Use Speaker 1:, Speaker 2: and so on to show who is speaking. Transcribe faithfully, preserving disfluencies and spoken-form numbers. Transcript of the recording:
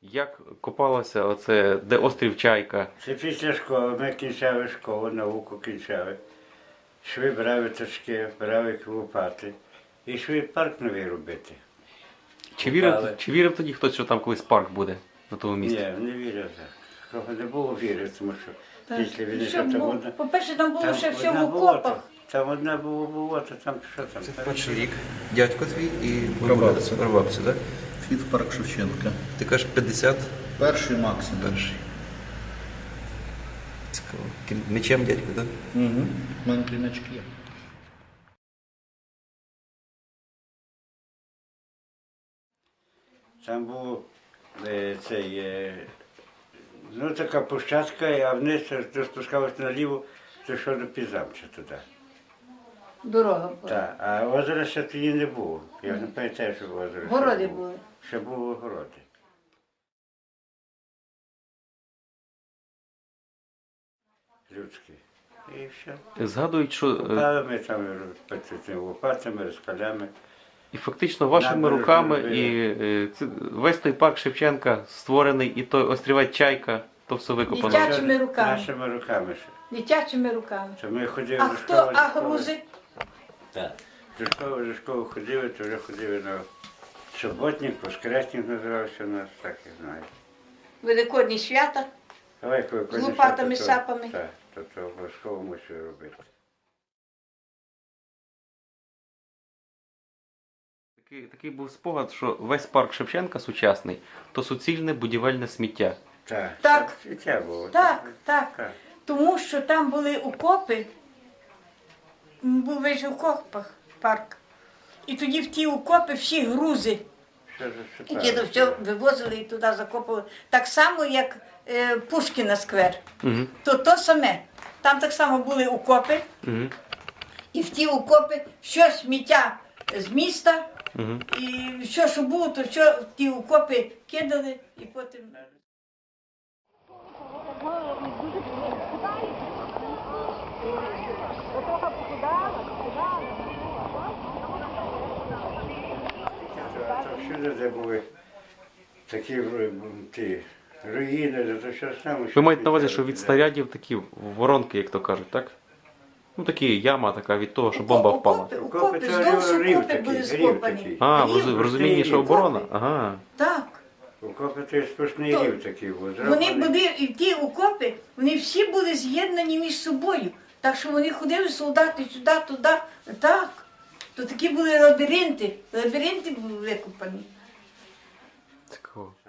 Speaker 1: Як копалося оце, де острів Чайка?
Speaker 2: Це після школи. Ми кінчали школу, науку кінчали. Йшли брали точки, брали лопати. І йшли парк новий робити.
Speaker 1: Чи вірив,
Speaker 2: Копали.
Speaker 1: чи вірив тоді хтось, що там колись парк буде на тому місці?
Speaker 2: Ні, не вірив так. Кого не було віри, тому що після війни,
Speaker 3: Що
Speaker 2: що там
Speaker 3: було?
Speaker 2: одна...
Speaker 3: По-перше, там було ще все в
Speaker 2: одна болото,
Speaker 3: окопах.
Speaker 2: там одна було болото, там що там?
Speaker 4: Це перший рік. Дядько твій і
Speaker 5: Прабабця.
Speaker 4: прабабця, так?
Speaker 5: Вхід в парк Шевченка.
Speaker 4: Ти кажеш п'ятдесят
Speaker 5: Перший максимум.
Speaker 4: перший. Цікаво. Ким- Мечем дядько, так?
Speaker 5: Угу. У мене кліночки є.
Speaker 2: Там був е, цей, е, ну така площадка, а вниз ти спускалися наліво, то йшов до Пізамча туди.
Speaker 3: Дорога була.
Speaker 2: Так, а озера ще тоді не було. Я не пам'ятаю, що озеро. ще
Speaker 3: Городи
Speaker 2: було.
Speaker 3: були.
Speaker 2: Ще були городи. Людські. І все.
Speaker 1: Згадують, що е,
Speaker 2: Купали ми там цими лопатами, розкалями.
Speaker 1: і фактично вашими
Speaker 2: Набережну
Speaker 1: руками
Speaker 2: робили.
Speaker 1: і е, це- весь той парк Шевченка створений, і той острівець Чайка, то все викопано.
Speaker 3: Дитячі- Нашими руками.
Speaker 2: Нашими руками ще.
Speaker 3: Дитячими руками.
Speaker 2: То ми ходили
Speaker 3: А
Speaker 2: до
Speaker 3: хто,
Speaker 2: школи.
Speaker 3: а
Speaker 2: до школи.
Speaker 3: грузи?
Speaker 2: Так. До школи, до школи ходили, то вже ходили на суботник, воскресник називався у нас, так я знаю.
Speaker 3: Великодні свята.
Speaker 2: Давай, коли
Speaker 3: З лопатами, сапами.
Speaker 2: Так, то, то обов'язково мусив робити.
Speaker 1: Такий, такий був спогад, що весь парк Шевченка сучасний, то суцільне будівельне сміття.
Speaker 2: Так.
Speaker 3: Так.
Speaker 2: І це було.
Speaker 3: Так, так.
Speaker 2: Так.
Speaker 3: Тому що там були окопи, м, був весь в окопах парк. І тоді в ті окопи всі грузи,
Speaker 2: Що за
Speaker 3: які то все вивозили і туди закопували. Так само, як е, Пушкіна сквер.
Speaker 1: Угу.
Speaker 3: То то саме. Там так само були окопи,
Speaker 1: Угу.
Speaker 3: і в ті окопи все сміття з міста,
Speaker 1: Угу.
Speaker 3: і все, що було, то все в ті окопи кидали і потім.
Speaker 2: А то всюди, де були такі ру- ті, руїни, то все саме.
Speaker 1: Ви маєте на увазі, що від снарядів такі воронки, як то кажуть, так? Ну такі яма така від того, що бомба впала.
Speaker 3: Окопи,
Speaker 2: Окопи,
Speaker 3: окопи,
Speaker 2: це
Speaker 3: здовж
Speaker 2: рів
Speaker 3: окопи
Speaker 2: такий,
Speaker 3: були
Speaker 2: рів
Speaker 3: скопані.
Speaker 2: такий.
Speaker 1: А, в
Speaker 3: Рів.
Speaker 1: роз- в розумінні, що оборона? Ага.
Speaker 3: Так.
Speaker 2: Окопи то є сплошний
Speaker 3: То
Speaker 2: рів такий був.
Speaker 3: Вони
Speaker 2: зроблений.
Speaker 3: були, і ті окопи, вони всі були з'єднані між собою. Так що вони ходили солдати сюди, туди. Так. То такі були лабіринти. Лабіринти були викопані.
Speaker 1: Цікаво.